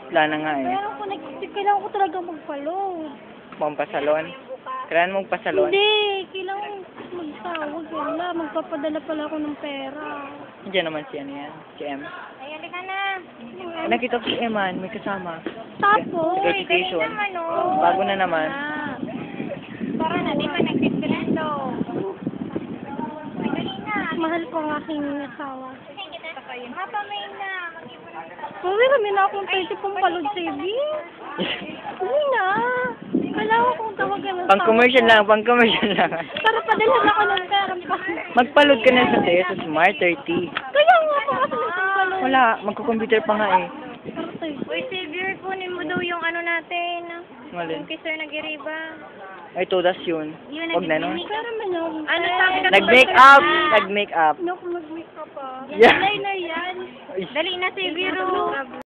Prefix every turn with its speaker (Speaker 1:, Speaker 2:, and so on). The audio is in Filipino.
Speaker 1: Wala na nga eh.
Speaker 2: Meron ko, kailangan ko talaga magpalod.
Speaker 1: Pampasalon. Kailangan mong pasalon.
Speaker 2: Hindi, kailangan magsawag. Wala, magpapadala pala ako ng pera.
Speaker 1: Diyan naman si ano yan. Si M.
Speaker 3: Ay, halika na.
Speaker 1: Nakita ko si Eman, may kasama.
Speaker 2: Tapos,
Speaker 1: Certification.
Speaker 3: dali naman, oh.
Speaker 1: Bago na naman.
Speaker 3: Para na, di ba nag-discreto? Ay, dali na.
Speaker 2: mahal ko ang aking asawa.
Speaker 3: Mapamay na. Mag-ipon na.
Speaker 2: Uwi, kami na akong 30 pong palod saving. Uwi na. Kailangan kong tawagan ng
Speaker 1: Pang-commercial lang, pang-commercial lang.
Speaker 2: Para padalhan ako ng pera pa.
Speaker 1: Magpalod ka na sa sa Smart 30.
Speaker 2: Kaya nga po kasi ng palod.
Speaker 1: Wala, magko-computer pa nga eh.
Speaker 3: Uy, Xavier, kunin mo daw yung ano natin.
Speaker 1: Malin.
Speaker 3: Yung kay Sir Nag-Iriba.
Speaker 1: Ay, todas yun. Huwag na nun.
Speaker 2: Pero man yung...
Speaker 3: Ano sabi ka?
Speaker 1: Nag-make up! Nag-make up.
Speaker 2: Ano kung mag-make up pa?
Speaker 1: Yeah.
Speaker 2: Yan na yan.
Speaker 3: Dali na, Xavier.